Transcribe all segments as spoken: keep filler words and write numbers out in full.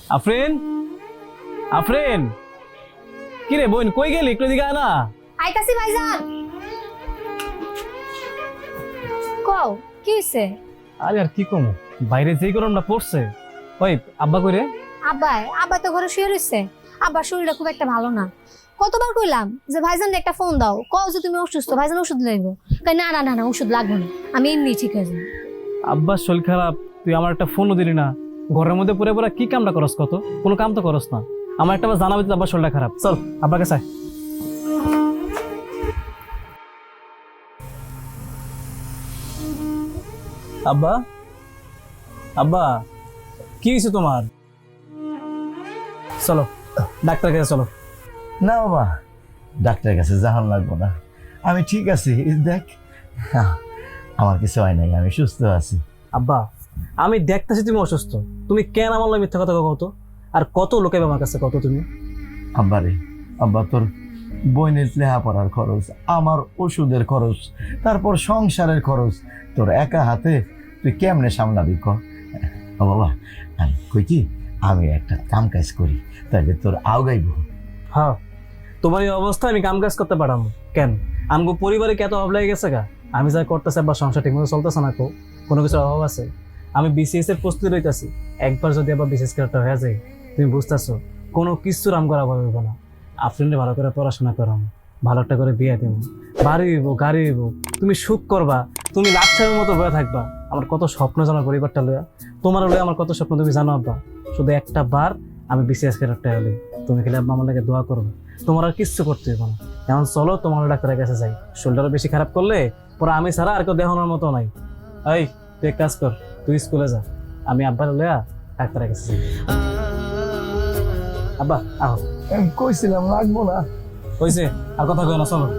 আফরিন আফরিন কি রে বোন কই গেলি একটু দিকে আয় না। আইতাছি ভাইজান। কও কি হইছে? আরে আর কি কমু, বাইরে যেই গরমটা পড়ছে। ওই আব্বা কই রে? আব্বাই আব্বা তো ঘরে শুয়ে রইছে। আব্বার শরীরটা খুব একটা ভালো না। কতবার কইলাম যে ভাইজান একটা ফোন দাও, কও যে তুমি অসুস্থ, ভাইজান ওষুধ লাগবে। কই না না না না ওষুধ লাগবে না, আমি এমনি ঠিক হয়ে যাবো। আব্বার শরীর খারাপ, তুই আমার একটা ফোনও দিলি না। ঘরের মধ্যে পড়ে পড়ে কি কামটা করস, কত কোনো কাম তো করস না। আমার একটা বার জানাবি তো আব্বার শরীরটা খারাপ। চল আব্বার কাছে আয়। আব্বা আব্বা কি হয়েছে তোমার? চলো ডাক্তার কাছে চলো। না বাবা, ডাক্তারের কাছে যাওয়ার লাগবো না, আমি ঠিক আছি। দেখ আমার কিছু হয় নাই, আমি সুস্থ আছি। আব্বা আমি দেখতেছি তুমি অসুস্থ, তুমি কেন আমার লাগে মিথ্যা কথা কত? আর কত লোকে আমার কাছে কত তুমি? আব্বা রে, আব্বা তোর বইনের লেখাপড়ার খরচ, আমার ওষুধের খরচ, তারপর সংসারের খরচ, তোর একা হাতে তুই কেমনে সামলাবি ক? ও বাবা, আমি কই কি আমি একটা কাম কাজ করি, তাহলে তোর আওগাইব। হ্যাঁ তোমার এই অবস্থায় আমি কাম কাজ করতে পারাম কেন? আমগো পরিবারে কত অভাব লেগে গেছে গা। আমি যা করতেছি আবার সংসার ঠিকমতো চলতেছে না, কো কোনো কিছুর অভাব আছে? আমি বিসিএস এর প্রস্তুতি রইতেছি, একবার যদি আবার বিসিএস ক্যারেক্টার হয়ে যায় তুমি বুঝতেছো কোনো কিছুর আম করা হবে না। আফরিনরে ভালো করে পড়াশোনা করাম, ভালো একটা করে বিয়ে দিব, বাড়ি হইব গাড়ি হইব, তুমি সুখ করবা, তুমি লাচ্ছার মতো বয়ে থাকবা। আমার কত স্বপ্ন জানো পরিবারটা লইয়া, তোমার লইয়া আমার কত স্বপ্ন তুমি জানো আব্বা। শুধু একটা বার আমি বিসিএস ক্যারেক্টার হলে তুমি খেলে আব্বা আমার লাগে দোয়া করবে, তোমার আর কিচ্ছু করতে হবে না। এখন চলো তোমার ডাক্তারের কাছে যাই, শরীরটা বেশি খারাপ করলে পরে আমি ছাড়া আর কেউ দেখানোর মতো নাই। এই তুই এক কাজ কর, তুই স্কুলে যা, আমি আব্বার লইয়া ডাক্তারের কাছে যাই। আব্বা আহ কইছিলাম লাগবো না। হয়েছে, আর কথা কই না, চলো।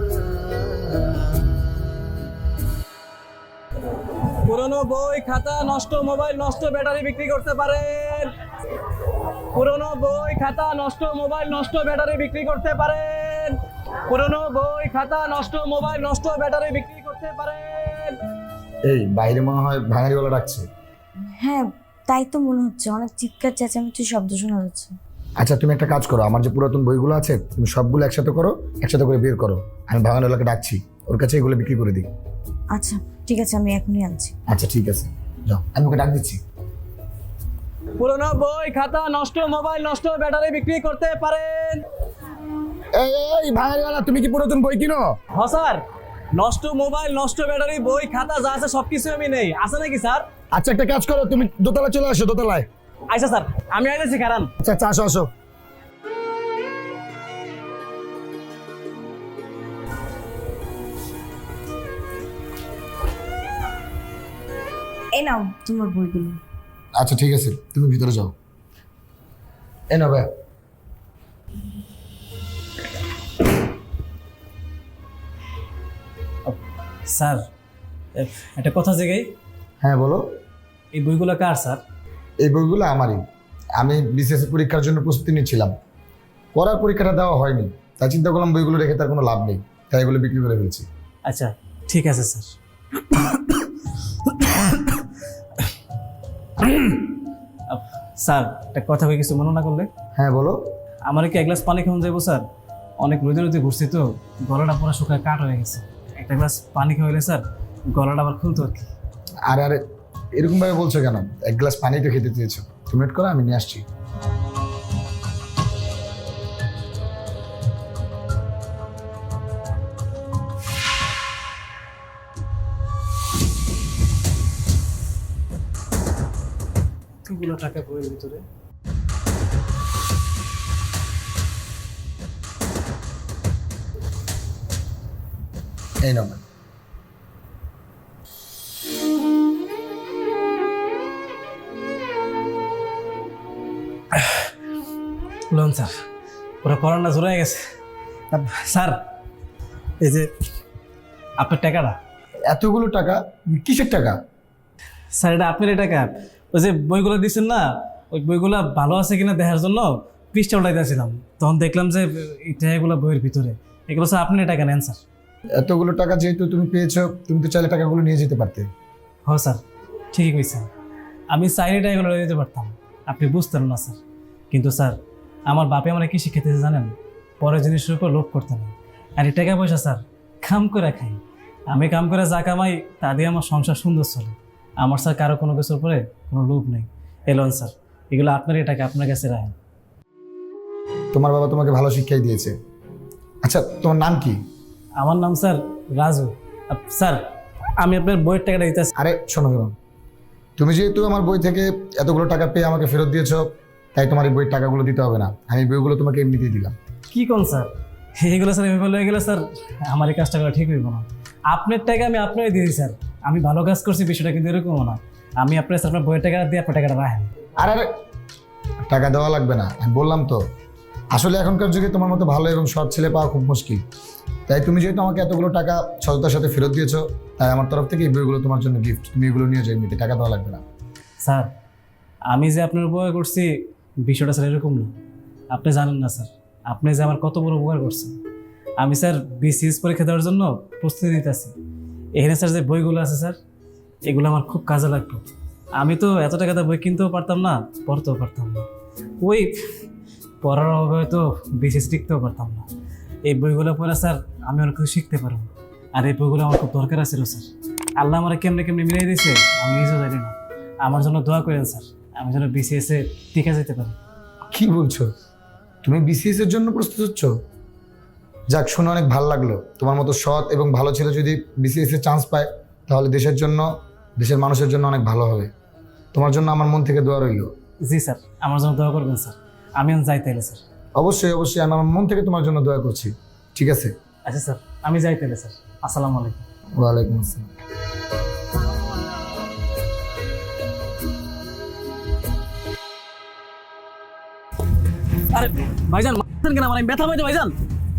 পুরনো বই খাতা নষ্ট, মোবাইল নষ্ট, ব্যাটারি বিক্রি করতে পারেন। পুরনো বই খাতা নষ্ট, মোবাইল নষ্ট, ব্যাটারি বিক্রি করতে পারেন। পুরনো বই খাতা নষ্ট, মোবাইল নষ্ট, ব্যাটারি বিক্রি করতে পারেন। এই বাইরে মনে হয় ভাঙারি গলা ডাকছে। হ্যাঁ তাই তো মনে হচ্ছে, অনেক চিৎকার চেঁচামেচি শব্দ শোনা যাচ্ছে। আচ্ছা তুমি একটা কাজ করো, আমার যে পুরাতন বইগুলো আছে তুমি সবগুলো একসাথে করো, একসাথে করে বের করো। আমি ভাঙারিওয়ালাকে ডাকছি, ওর কাছে এগুলো বিক্রি করে দিই। আচ্ছা ঠিক আছে, আমি এখনই আনছি। আচ্ছা ঠিক আছে, যাও আমি ওকে ডাক দিচ্ছি। পুরনো বই খাতা নষ্ট, মোবাইল নষ্ট, ব্যাটারি বিক্রি করতে পারেন। এই এই ভাঙারিওয়ালা, তুমি কি পুরাতন বই কিনো? হ্যাঁ স্যার, নষ্ট মোবাইল নষ্ট ব্যাটারি বই খাতা যা আছে সবকিছু আমি নেই, আছে নাকি স্যার? আচ্ছা একটা কাজ করো, তুমি দোতলায় চলে আসো, দোতলায়। আচ্ছা স্যার আমি আইতেছি, কারণ আচ্ছা আচ্ছা আসো আসো। এই নাও তোমার বইগুলো। আচ্ছা ঠিক আছে, তুমি ভিতরে যাও। এ না ভাই, স্যার একটা কথা জিগাই, হ্যাঁ বলো। এই বইগুলো কার স্যার? এই বইগুলো আমারই। আমি বিসিএস পরীক্ষার জন্য প্রস্তুতি নিচ্ছিলাম, পড়ার পরীক্ষাটা দেওয়া হয়নি, তাই চিন্তা করলাম বইগুলো রেখে তার কোনো লাভ নেই, তাই এগুলো বিক্রি করে ফেলছি। আচ্ছা ঠিক আছে স্যার। আপ, স্যার একটা কথা কই, কিছু মনে না করলে? হ্যাঁ বলো। আমার কি এক গ্লাস পানি খাওয়া যাবো স্যার? অনেক রোদে রোদে ঘুরছি তো, গলাটা পুরো শুকায় কাঠ হয়ে গেছে। একটা গ্লাস পানি খাওয়াইলে স্যার গলাটা আবার খুলতো আর কি। আরে আরে এরকম ভাবে বলছো কেন? এক গ্লাস পানি তো খেতে চেয়েছো, তুমি ওয়েট করো, আমি নিয়ে আসছি। এতগুলো টাকা বইয়ের ভিতরে, এই নাও ম্যাম। লোন স্যার, পুরো করোনা জোরে গেছে। আপ- স্যার এই যে আপনার টাকাটা। এতগুলো টাকা? কিসের টাকা? স্যার এটা আপনার টাকা, ওই যে বইগুলো দিচ্ছেন না, ওই বইগুলো ভালো আছে কিনা দেখার জন্য পৃষ্ঠা উঠাইতেছিলাম, তখন দেখলাম যে এই টাকাগুলো বইয়ের ভিতরে। এগুলো স্যার আপনার টাকা নেন স্যার। এতগুলো টাকা যেহেতু তুমি পেয়েছো, তুমি তো চাইলে টাকাগুলো নিয়ে যেতে পারতে। হ্যাঁ স্যার ঠিকই কইছেন, আমি চাইলে টাকাগুলো নিয়ে যেতে পারতাম, আপনি বুঝতেন না স্যার। কিন্তু স্যার আমার বাপে আমার কি শিখেতেছে জানেন, পরের জিনিসের উপর লোভ করতে নেই। আর এই টাকা পয়সা স্যার কাম করে খাই, আমি কাম করে যা কামাই তা দিয়ে আমার সংসার সুন্দর চলে। আমার স্যার কারো কোনো কিছুর উপরে কোনো লোভ নেই। এলন স্যার, এগুলো আপনার এই টাকা আপনার কাছে রাখেন। তোমার বাবা তোমাকে ভালো শিক্ষাই দিয়েছে। আচ্ছা, তোমার নাম কি? আমার নাম স্যার রাজু। আপ- স্যার আমি আপনার বইয়ের টাকাটা দিতেছি। আরে শোনো শোনো, তুমি যেহেতু আমার বই থেকে এতগুলো টাকা পেয়ে আমাকে ফেরত দিয়েছো, তাই তোমার এই বইয়ের টাকাগুলো দিতে হবে না, আমি বইগুলো তোমাকে এমনিতেই দিলাম। কি কোন স্যার, এইগুলো স্যার এভাবে হয়ে গেলে স্যার আমার এই কাজটা করা ঠিক হইব না। আপনার টাকা আমি আপনারই দিয়ে দিই স্যার, আমি ভালো কাজ করছি, বিষয়টা কিন্তু এরকমও না। আমি আপনার স্যার আপনার বইয়ের টাকা দিয়ে আপনার টাকাটা রাখেন। আর আরে টাকা দেওয়া লাগবে না, আমি বললাম তো, আসলে এখনকার যুগে তোমার মতো ভালো এবং সৎ ছেলে পাওয়া খুব মুশকিল। তাই তুমি যেহেতু আমাকে এতগুলো টাকা সততার সাথে ফেরত দিয়েছো, তাই আমার তরফ থেকে এই বইগুলো তোমার জন্য গিফট, তুমি এগুলো নিয়ে যাও, এমনিতে টাকা দেওয়া লাগবে না। স্যার আমি যে আপনার উপকার করছি বিষয়টা স্যার এরকম না, আপনি জানেন না স্যার আপনি যে আমার কত বড় উপকার করছেন। আমি স্যার বিসিএস পরীক্ষা দেওয়ার জন্য প্রস্তুতি নিতেছি। এখানে স্যার যে বইগুলো আছে স্যার, এগুলো আমার খুব কাজে লাগবে। আমি তো এত টাকাতে বই কিনতেও পারতাম না, পড়তেও পারতাম না, ওই পড়ার অভাবে হয়তো বিসিএস লিখতেও পারতাম না। এই বইগুলো পড়ে স্যার আমি অনেক কিছু শিখতে পারবো, আর এই বইগুলো আমার খুব দরকার ছিল স্যার। আল্লাহ আমার কেমনে কেমনে মিলিয়ে দিয়েছে আমি নিজেও জানি না। আমার জন্য দোয়া করেন স্যার, আমি যেন বিসিএসে টিকে যেতে পারি। কি বলছো, তুমি বিসিএস এর জন্য প্রস্তুত হচ্ছ? যাক, শুনে অনেক ভালো লাগলো। তোমার মতো সৎ এবং ভালো ছেলে যদি বিসিএস এর চান্স পায়, তাহলে দেশের জন্য, দেশের মানুষের জন্য অনেক ভালো হবে। তোমার জন্য আমার মন থেকে দোয়া রইল। জি স্যার, আমার জন্য দোয়া করবেন স্যার, আমি এখন যাই তাইলে স্যার। অবশ্যই অবশ্যই, আমি আমার মন থেকে তোমার জন্য দোয়া করছি। ঠিক আছে? আচ্ছা স্যার, আমি যাই তাইলে স্যার। আসসালামু আলাইকুম। ওয়ালাইকুম আসসালাম। আরে ভাইজান মারছেন কেন আমার, আমি ব্যথা পাইতে ভাইজান।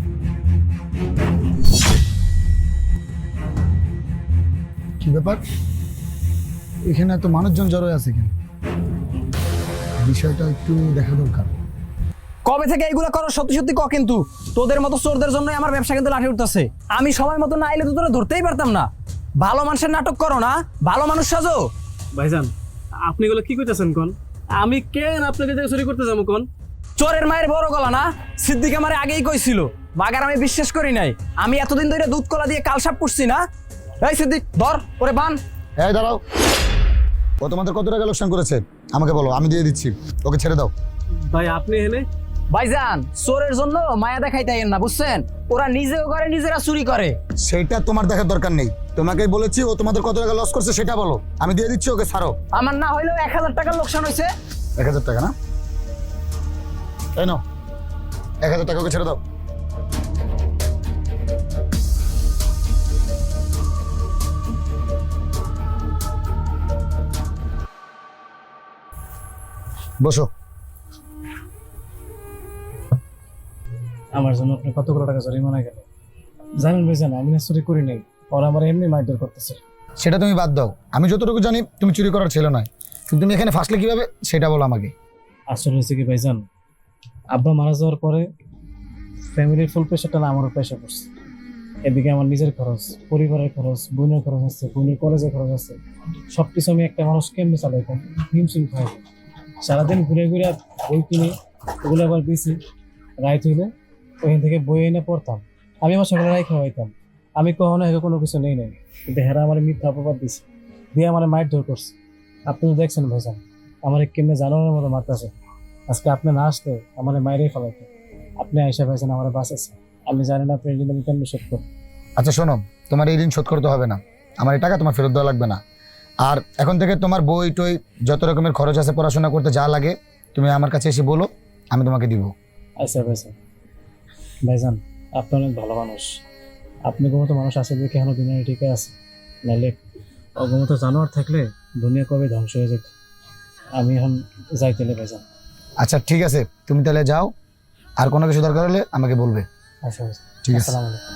কি ব্যাপার, এখানে এত মানুষজন জড়ো আছে কেন? বিষয়টা একটু দেখা দরকার। কবে থেকে এগুলো করো সত্যি সত্যি ক, কিন্তু তোদের মতো চোরদের জন্য আমার ব্যবসা কিন্তু লাঠি উঠতেছে। আমি সময় মতো না এলে তো তোরা ধরতেই পারতাম না। ভালো মানুষের নাটক করো না, ভালো মানুষ সাজো। ভাইজান আপনি এগুলো কি কইতেছেন কোন? আমি কেন আপনাকে যে চুরি করতে যাবো কোন? চোরের মায়ের বড় গলা না, সিদ্দিক আমারে আগেই কইছিল, মাগার আমি বিশ্বাস করি নাই। আমি এতদিন ধরে দুধ কলা দিয়ে কালসাপ পুষছি না। এই সিদ্দিক ধর ওরে বান। এই দাঁড়াও, ও তোমাদের কত টাকা লোকসান করেছে আমাকে বলো, আমি দিয়ে দিচ্ছি, ওকে ছেড়ে দাও। ভাই আপনি এনে ভাইজান চোরের জন্য মায়া দেখাইতে না, বুঝছেন? ওরা নিজেও করে, নিজেরা চুরি করে। সেটা তোমার দেখার দরকার নেই, তোমাকেই বলেছি ও তোমাদের কত টাকা লস করছে সেটা বলো, আমি দিয়ে দিচ্ছি, ওকে ছাড়ো। আমার না হইলেও এক হাজার টাকার লোকসান হয়েছে। এক হাজার টাকা না, তাই না? এক হাজার টাকা ওকে ছেড়ে দাও। বসো। আমার জন্য আপনি কতগুলো টাকা জরিমানা গেল জানেন ভাইজান? আমি না চুরি করি নাই, ওরা আমার এমনি মারধর করতেছে। সেটা তুমি বাদ দাও, আমি যতটুকু জানি তুমি চুরি করার ছিল না, কিন্তু তুমি এখানে ফাঁসলে কিভাবে সেটা বলো আমাকে। আসলে হয়েছে কি ভাইজান, আব্বা মারা যাওয়ার পরে ফ্যামিলির ফুল প্রেশারটা না আমার প্রেশার পড়ছে। এদিকে আমার নিজের খরচ, পরিবারের খরচ, বোনের খরচ আছে, বোনের কলেজের খরচ আছে, সব কিছু আমি একটা মানুষ কেমনি চালাইতাম, হিমশিম খাই। সারাদিন ঘুরে ঘুরে বই কিনে ওগুলো আবার বেশি রাইত হইলে ওইখান থেকে বই এনে পড়তাম। আমি আমার সকালে রাই খাওয়াইতাম, আমি কখনো হেকে কোনো কিছু নেই নাই, কিন্তু হেরা আমার মিথ্যা অপবাদ দিছে, দিয়ে আমার মাইর ধর করছে। আপনি তো দেখছেন ভাইজান আমার কেমনে জানোয়ারের মতো মারতেছে। আজকে আপনি না আসলে আমার মায়েরই ফেলাইতো। আপনি আইসা ভাইজান আমার বাঁচাচ্ছে, আমি জানি না আপনি ঋণ আমি কেমনি শোধ করবো। আচ্ছা শোনো, তোমার এই ঋণ শোধ করতে হবে না, আমার এই টাকা তোমার ফেরত দেওয়া লাগবে না। আর এখন থেকে তোমার বই টই যত রকমের খরচ আছে পড়াশোনা করতে যা লাগে তুমি আমার কাছে এসে বলো, আমি তোমাকে দিব। আচ্ছা ভাইজান, ভাইজান আপনি অনেক ভালো মানুষ, আপনি মতো মানুষ আছে দেখে এখনো দুনিয়া ঠিক আছে, নাহলে অগমতো জানোয়ার থাকলে দুনিয়া কবে ধ্বংস হয়ে যেত। আমি এখন যাইতেলে ভাইজান। আচ্ছা ঠিক আছে, তুমি তাহলে যাও, আর কোনো কিছু দরকার হলে আমাকে বলবে। আচ্ছা ভাইজান, ঠিক আছে। আসসালামু আলাইকুম।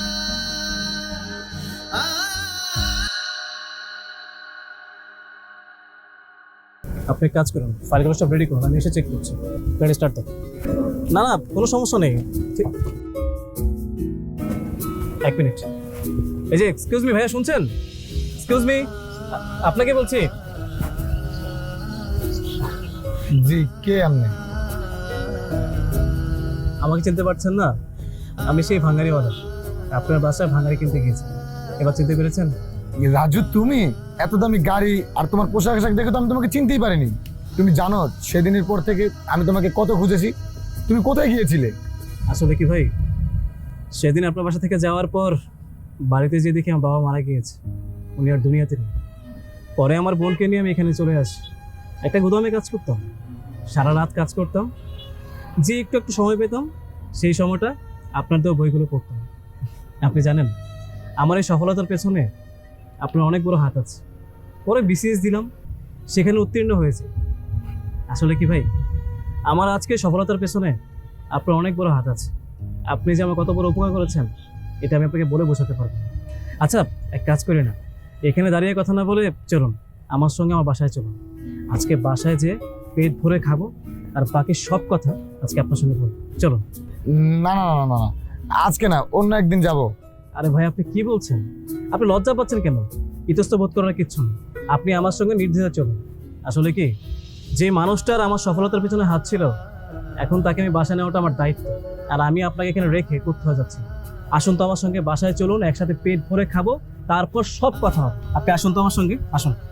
আপনি এক কাজ করুন, ফাইলগুলো সব রেডি করুন, আমি এসে চেক করছি। গাড়ি স্টার্ট দাও। না না কোনো সমস্যা নেই, ঠিক- এক মিনিট। এই যে এক্সকিউজ মি ভাইয়া, শুনছেন? এক্সকিউজ মি, আপনাকে বলছি। জি, কে আপনি? আমাকে চিনতে পারছেন না? আমি সেই ভাঙ্গারিওয়ালা, আপনার বাসায় ভাঙ্গারি কিনতে গিয়েছি। এবার চিনতে পেরেছেন? রাজু, তুমি এত দামি গাড়ি আর তোমার পোশাক আশাক দেখে তো আমি তোমাকে চিনতেই পারিনি। তুমি জানো সেদিনের পর থেকে আমি তোমাকে কত খুঁজেছি, তুমি কোথায় গিয়েছিলে? আসলে কি ভাই, সেদিন আপনার বাসা থেকে যাওয়ার পর বাড়িতে যে দেখি আমার বাবা মারা গিয়েছে, উনি আর দুনিয়াতে নেই। পরে আমার বোনকে নিয়ে আমি এখানে চলে আসি। একটা গুদামে কাজ করতাম, সারা রাত কাজ করতাম, যে একটু একটু সময় পেতাম সেই সময়টা আপনার দেওয়া বইগুলো পড়তাম। আপনি জানেন আমার এই সফলতার পেছনে আপনার অনেক বড় হাত আছে। পরে বিসিএস দিলাম, সেখানে উত্তীর্ণ হয়েছে। আসলে কি ভাই, আমার আজকে সফলতার পেছনে আপনার অনেক বড় হাত আছে। আপনি যে আমার কত বড় উপকার করেছেন এটা আমি আপনাকে বলে বোঝাতে পারবো না। আচ্ছা, এক কাজ করি না, এখানে দাঁড়িয়ে কথা না বলে চলুন আমার সঙ্গে আমার বাসায় চলুন। আজকে বাসায় যে পেট ভরে খাবো আর বাকি সব কথা আজকে আপনার সঙ্গে বলবো। চলুন। না না না না না, আজকে না, অন্য একদিন যাব। আরে ভাই, আপনি কি বলছেন? আপনি লজ্জা পাচ্ছেন কেন? ইতস্ত বোধ করার কিচ্ছু নেই, আপনি আমার সঙ্গে নির্দ্বিধায় চলুন। আসলে কি, যে মানুষটার আমার সফলতার পিছনে হাত ছিল, এখন তাকে আমি বাসায় নেওয়াটা আমার দায়িত্ব, আর আমি আপনাকে এখানে রেখে কোথাও যাচ্ছি। আসুন তো আমার সঙ্গে বাসায় চলুন, একসাথে পেট ভরে খাবো, তারপর সব কথা হবে। আপনি আসুন তো আমার সঙ্গে, আসুন।